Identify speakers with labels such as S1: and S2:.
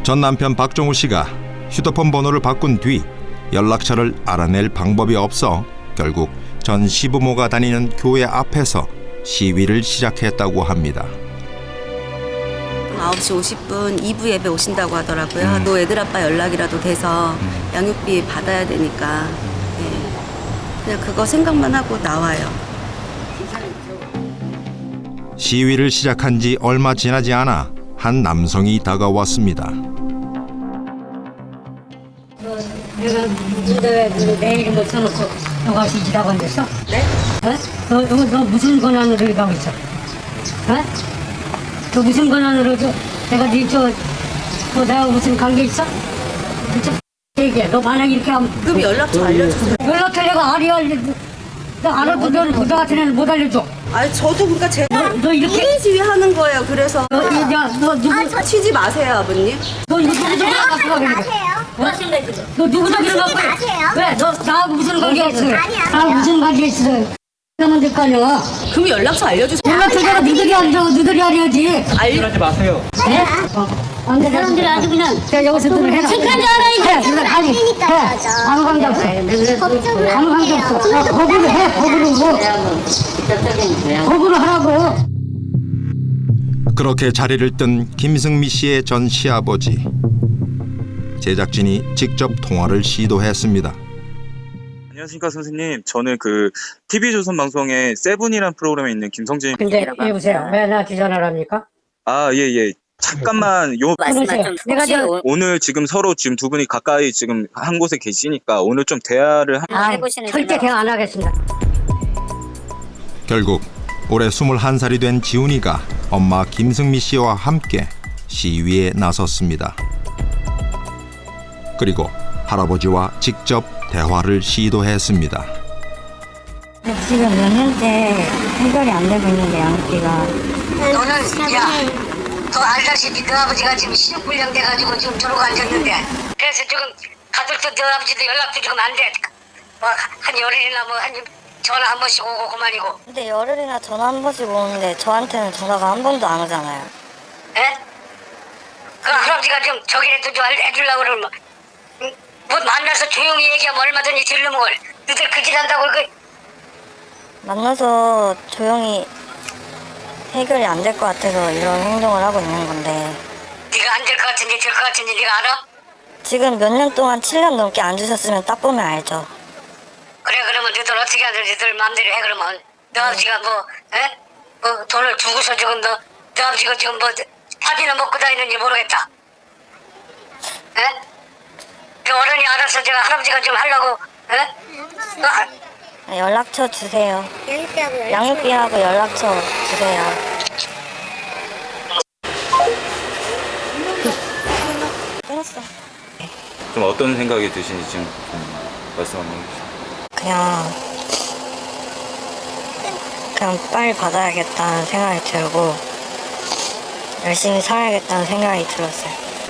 S1: 전 남편 박종우 씨가 휴대폰 번호를 바꾼 뒤 연락처를 알아낼 방법이 없어 결국 전 시부모가 다니는 교회 앞에서 시위를 시작했다고 합니다.
S2: 9시 50분 2부 예배 오신다고 하더라고요. 또 애들 아빠 연락이라도 돼서 양육비 받아야 되니까 그냥 그거 생각만 하고 나와요.
S1: 시위를 시작한 지 얼마 지나지 않아 한 남성이 다가왔습니다.
S3: 내가 내 이름 못 써놓고 너가 시지라고 앉았어? 네? 너 무슨 권한으로 이거 하고 있어? 너 무슨 권한으로 내가 너 나하고 무슨 관계 있어? 얘기해. 너 만약에 이렇게 하면
S2: 그럼 연락처 알려주세요.
S3: 연락처 내가 나 알아도 너는 부자 같은 애는 못 알려줘.
S2: 아니 저도 그러니까 제가
S3: 너 이렇게
S2: 이런 시위 하는 거예요. 그래서
S3: 너 누구
S2: 치지 마세요, 아버님.
S3: 너 누구도 갖고 가 그래. 너 누구도 갖고 가. 왜? 너 나하고 무슨 관계 있어? 나하고 무슨 관계 있어? 그러면 될 거 아니야.
S2: 그럼 연락처 알려주세요.
S3: 연락처가 너희들이 알려고 너희들이 알려야지.
S4: 하지 마세요.
S3: 네? 안 돼, 사람들이 아주 그냥 여기서 좀 해라. 착한 줄 알아야지. 아니, 해. 아무 관계 없어. 아무 관계 없어. 거부로 해, 거부로. 거부로 하라고.
S1: 그렇게 자리를 뜬 김승미 씨의 전 시아버지. 제작진이 직접 통화를 시도했습니다.
S4: 안녕하십니까 선생님. 저는 그 TV조선 방송의 세븐이라는 프로그램에 있는 김성진.
S3: 근데 여보세요. 왜 나한테 전화를 합니까?
S4: 아, 예. 잠깐만
S3: 그러세요. 내가
S4: 오늘 지금 서로 지금 두 분이 가까이 지금 한 곳에 계시니까 오늘 좀 대화를
S3: 절대 대화 안 하겠습니다.
S1: 결국 올해 21살이 된 지훈이가 엄마 김승미 씨와 함께 시위에 나섰습니다. 그리고 할아버지와 직접 대화를 시도했습니다.
S3: 지금 몇 년째 해결이 안 되고 있는데 양육비가.
S5: 너는 너 알다시피 너 아버지가 지금 신용불량 돼가지고 지금 저러고 앉았는데 그래서 지금 가족도 너 아버지도 연락도 지금 안 돼. 한 열흘이나 한 전화 한 번씩 오고 그만이고.
S6: 근데 열흘이나 전화 한 번씩 오는데 저한테는 전화가 한 번도 안 오잖아요.
S5: 에? 그 할아버지가 좀 저기라도 좀 해주려고 그러면 뭐 만나서 조용히 얘기하면 얼마든지 들르면 너들 그 짓 한다고
S6: 만나서 조용히 해결이 안 될 것 같아서 이런 행동을 하고 있는 건데
S5: 네가 안 될 것 같은지 될 것 같은지 네가 알아?
S6: 지금 몇 년 동안 7년 넘게 안 주셨으면 딱 보면 알죠.
S5: 그래 그러면 너들 어떻게 하든 너들 마음대로 해 그러면 너 아버지가 뭐 돈을 주고서 지금 너 아버지가 지금 뭐 밥이나 먹고 다니는지 모르겠다. 에? 그 어른이 알아서 제가 할아버지가 좀 하려고 에?
S6: 연락처 주세요. 양육비하고 연락처 주세요. 끊었어.
S4: 좀 어떤 생각이 드시는지 지금 말씀 한번 해주세요.
S6: 그냥 빨리 받아야겠다는 생각이 들고 열심히 살아야겠다는 생각이 들었어요.